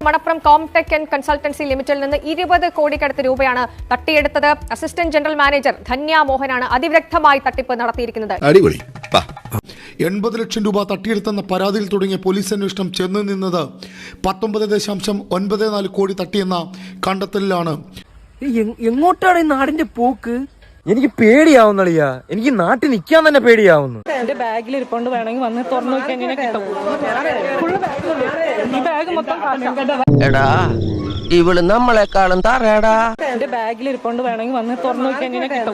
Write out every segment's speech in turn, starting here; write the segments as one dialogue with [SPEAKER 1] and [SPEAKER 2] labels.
[SPEAKER 1] Manappuram Comtech and consultancy ലിമിറ്റഡിൽ നിന്ന് 20 കോടിക്കടുത്ത് രൂപയാണ് തട്ടിയെടുത്തത്. അസിസ്റ്റന്റ് ജനറൽ മാനേജർ ധന്യ മോഹനാണ് അതിവിദഗ്ധമായി തട്ടിപ്പ് നടത്തിയിരിക്കുന്നത്.
[SPEAKER 2] 80 ലക്ഷം രൂപ തട്ടിയെടുത്തെന്ന പരാതിയിൽ തുടങ്ങിയ പോലീസ് അന്വേഷണം ചെന്നു നിന്നത് 19.94 കോടി തട്ടിയെന്ന കണ്ടെത്തലിലാണ്.
[SPEAKER 3] എങ്ങോട്ടാണ് ഈ നാടിന്റെ പോക്ക്? എനിക്ക് പേടിയാവുന്നളിയാ. എനിക്ക് നാട്ടിൽ നിൽക്കാൻ തന്നെ പേടിയാവുന്നു.
[SPEAKER 4] എന്റെ ബാഗിൽ ഇരിപ്പുണ്ട്, വേണമെങ്കിൽ വന്ന് തുറന്നു നോക്കി എങ്ങനെ കിട്ടും. ഈ ബാഗ് മൊത്തം
[SPEAKER 3] എടാ ഇവള് നമ്മളെക്കാളും തറയടാ.
[SPEAKER 4] എന്റെ ബാഗിൽ ഇരിപ്പുണ്ട്, വേണമെങ്കിൽ വന്ന് തുറന്നു നോക്കി എങ്ങനെ കിട്ടും.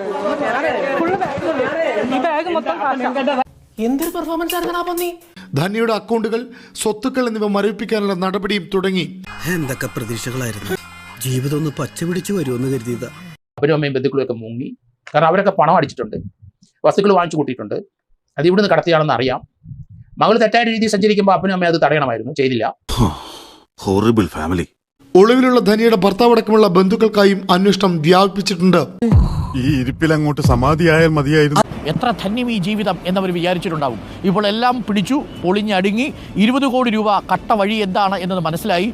[SPEAKER 4] ഈ ബാഗ് മൊത്തം എന്തൊരു പെർഫോമൻസ് ആയിരുന്നു.
[SPEAKER 2] ധന്യയുടെ അക്കൗണ്ടുകൾ, സ്വത്തുക്കൾ എന്നിവ മരവിപ്പിക്കാനുള്ള നടപടിയും തുടങ്ങി.
[SPEAKER 5] എന്തൊക്കെ പ്രതീക്ഷകളായിരുന്നു. ജീവിതം ഒന്ന് പച്ച പിടിച്ചു വരുമെന്ന് കരുതിയതാ.
[SPEAKER 6] അപ്പനും അമ്മയും ബന്ധുക്കളൊക്കെ മുങ്ങി. കാരണം അവരൊക്കെ പണം അടിച്ചിട്ടുണ്ട്, വസ്തുക്കൾ വാങ്ങിച്ചു കൂട്ടിയിട്ടുണ്ട്. അത് ഇവിടുന്ന് കടത്തിയാണെന്ന് അറിയാം. മകൾ തെറ്റായ രീതിയിൽ സഞ്ചരിക്കുമ്പോൾ അപ്പനും അമ്മയും അത് തടയണമായിരുന്നു, ചെയ്തില്ല.
[SPEAKER 7] Horrible family.
[SPEAKER 2] ഒളിവിലുള്ള ധനിയുടെ ഭർത്താവടക്കമുള്ള ബന്ധുക്കൾക്കായും അന്വേഷണം വ്യാപിപ്പിച്ചിട്ടുണ്ട്.
[SPEAKER 7] ഈ ഇരിപ്പിൽ അങ്ങോട്ട് സമാധിയായാൽ മതിയായിരുന്നു.
[SPEAKER 8] എത്ര ധന്യം ഈ ജീവിതം എന്നവർ വിചാരിച്ചിട്ടുണ്ടാവും. ഇപ്പോൾ എല്ലാം പിടിച്ചു പൊളിഞ്ഞടുങ്ങി. 20 കോടി രൂപ കട്ട വഴി എന്താണ് എന്നത് മനസ്സിലായി.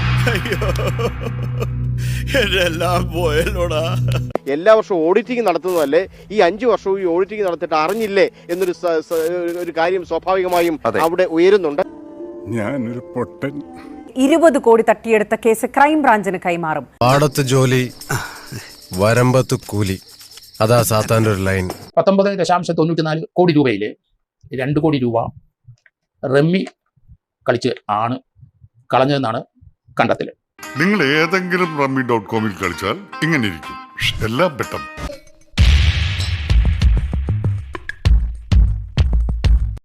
[SPEAKER 9] എല്ലാ വർഷവും ഓഡിറ്റിംഗ് നടത്തുന്നതല്ലേ, ഈ 5 വർഷവും ഈ ഓഡിറ്റിംഗ് നടത്തിയിട്ട് അറിഞ്ഞില്ലേ എന്നൊരു കാര്യം സ്വാഭാവികമായും അവിടെ ഉയരുന്നുണ്ട്.
[SPEAKER 7] ഞാനൊരു പൊട്ടൻ.
[SPEAKER 10] 20 കോടി തട്ടിയെടുത്ത കേസ് ക്രൈംബ്രാഞ്ചിന് കൈമാറും.
[SPEAKER 5] പാടത്ത് ജോലി, വരമ്പത്ത് കൂലി, അതാ സാത്താൻ്റെ ഒരു ലൈൻ.
[SPEAKER 6] 19.94 കോടി രൂപയിൽ 2 കോടി രൂപ റമ്മി കളിച്ച് ആണ് കളഞ്ഞതെന്നാണ് കണ്ടെത്തൽ.
[SPEAKER 7] നിങ്ങൾ ഏതെങ്കിലും റമ്മി.com കളിച്ചാൽ ഇങ്ങനെ ഇരിക്കും. എല്ലാം പെട്ടെന്ന്